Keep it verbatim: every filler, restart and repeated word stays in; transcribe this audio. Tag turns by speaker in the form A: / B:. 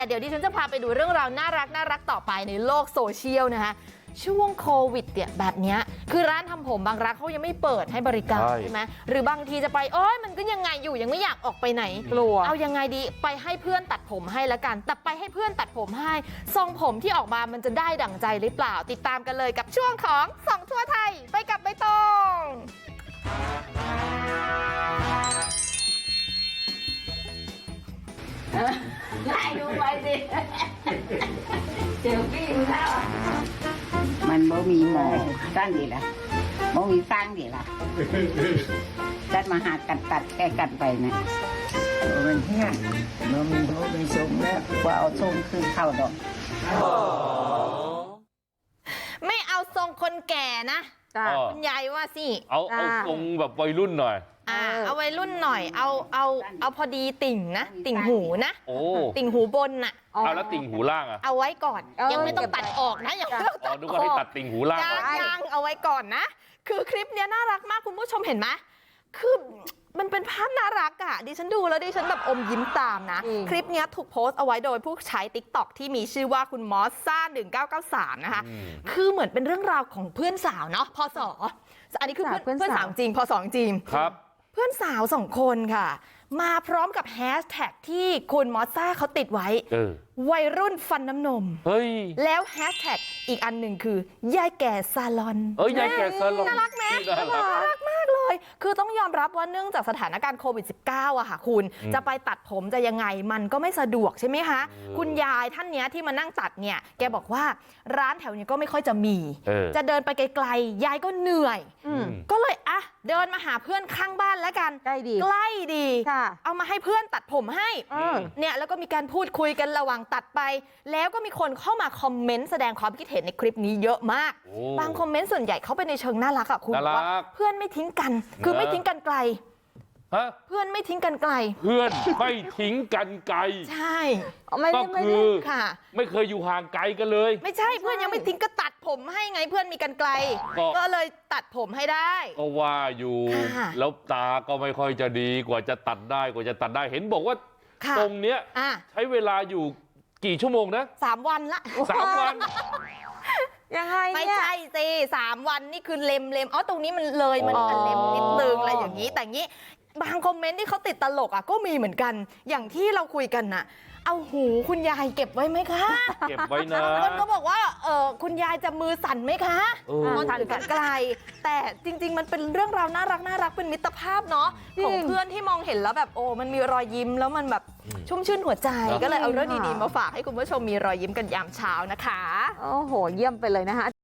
A: เดี๋ยวดิฉันจะพาไปดูเรื่องราวน่ารักน่ารักต่อไปในโลกโซเชียลนะคะช่วงโควิดเนี่ยแบบนี้คือร้านทำผมบางร้านเขายังไม่เปิดให้บริการใช่ไหมหรือบางทีจะไปโอ้ยมันก็ยังไงอยู่ยังไม่อยากออกไปไหนกลัวเอายังไงดีไปให้เพื่อนตัดผมให้ละกันแต่ไปให้เพื่อนตัดผมให้ทรงผมที่ออกมามันจะได้ดั่งใจหรือเปล่าติดตามกันเลยกับช่วงของส่องทั่วไทยไปกับใบตอง
B: ได้ดูไปสิเจอพี่มึงแล้วมันบ่มีหมอสร้างดีละบ่มีสร้างดีละจัดมาหากันตัดแก้กันไปนะมันเที่ยงบ่มีโหมีทรงแล้วว่าเอาทรงคือเข้าดอก
A: ไม่เอาทรงคนแก่นะคุณยายว่าสิ
C: เอาเอาทรงแบบวัยรุ่นหน่อย
A: อ่าเอาวัยรุ่นหน่อยเอาเอาเอาพอดีติ่งนะติ่งหูนะ
C: โอ้
A: ติ่งหูบนน่ะ
C: เอาแล้วติ่งหูล่างอ่ะ
A: เอาไว้ก่อนยังไม่ต้องตัดออกนะยังไม่ต้องตัดออก
C: นึกว่าให้ตัดติ่งหูล่าง
A: ยังยังเอาไว้ก่อนนะคือคลิปเนี้ยน่ารักมากคุณผู้ชมเห็นไหมคือมันเป็นภาพน่ารักอ่ะดิฉันดูแล้วดิฉันแบบอมยิ้มตามนะคลิปนี้ถูกโพสต์เอาไว้โดยผู้ใช้ ติ๊กต็อก ที่มีชื่อว่าคุณมอสซ่าหนึ่งเก้าเก้าสามนะคะคือเหมือนเป็นเรื่องราวของเพื่อนสาวเนาะพศอันนี้คือเพื่อนเพื่อนสาวจริงพศจริง
C: ครับ
A: เพื่อนสาวสองคนค่ะมาพร้อมกับแฮชแท็กที่คุณมอสซ่าเขาติดไว้วัยรุ่นฟันน้ำนมเฮ้ยแล้วแฮชแท็กอีกอันหนึ่งคือยายแก่ซาลอน
C: เอ้ยยายแก่ซาลอน
A: น่ารักไหมน่ารักมากเลยคือต้องยอมรับว่าเนื่องจากสถานการณ์โควิด สิบเก้า อะค่ะคุณจะไปตัดผมจะยังไงมันก็ไม่สะดวกใช่ไหมคะคุณยายท่านเนี้ยที่มานั่งตัดเนี่ยแกบอกว่าร้านแถวนี้ก็ไม่ค่อยจะมีจะเดินไปไกลๆยายก็เหนื่อยก็เลยอ่ะเดินมาหาเพื่อนข้างบ้านแล้วกัน
B: ใกล้ดี
A: ใกล้ดีเอามาให้เพื่อนตัดผมให้เนี่ยแล้วก็มีการพูดคุยกันระหว่างตัดไปแล้วก็มีคนเข้ามาคอมเมนต์แสดงความคิดเห็นในคลิปนี้เยอะมากบางคอมเมนต์ส่วนใหญ่เขาไปในเชิงน่ารักอะคุณว่าเพื่อนไม่ทิ้งกันคือไม่ทิ้งกันไกลเพื่อนไม่ทิ้งกันไกล
C: เพื่อนไม่ทิ้งกันไกล
A: ใช่
C: ก็คือไม่เคยอยู่ห่างไกลกันเลย
A: ไม่ใช่เพื่อนยังไม่ทิ้งก็ตัดผมให้ไงเพื่อนมีกันไกลก็เลยตัดผมให้ได้
C: ก็ว่าอยู่แล้วตาก็ไม่ค่อยจะดีกว่าจะตัดได้กว่าจะตัดได้เห็นบอกว่าตรงเนี้ยใช้เวลาอยู่กี่ชั่วโมงนะ
A: สามวันละ
C: สามวัน
A: ยังไงไม่ใช่สิสามวันนี่คือเล็มเล็มอ๋อตรงนี้มันเลยมันเล็มนิดนึงอะไรอย่างนี้แต่งี้บางคอมเมนต์ที่เขาติดตลกอ่ะก็มีเหมือนกันอย่างที่เราคุยกันน่ะเอาหูคุณยายเก็บไว้ไหมคะ
C: เก็บไว้นะ
A: คนก็บอกว่าเออคุณยายจะมือสั่นไหมคะมันสั่นกันไกลแต่จริงๆมันเป็นเรื่องราวน่ารักน่ารักเป็นมิตรภาพเนาะของเพื่อนที่มองเห็นแล้วแบบโอ้มันมีรอยยิ้มแล้วมันแบบชุ่มชื่นหัวใจก็เลยเอาเรื่องดีๆมาฝากให้คุณผู้ชมมีรอยยิ้มกันยามเช้านะคะ
B: โอ้โหเยี่ยมไปเลยนะคะ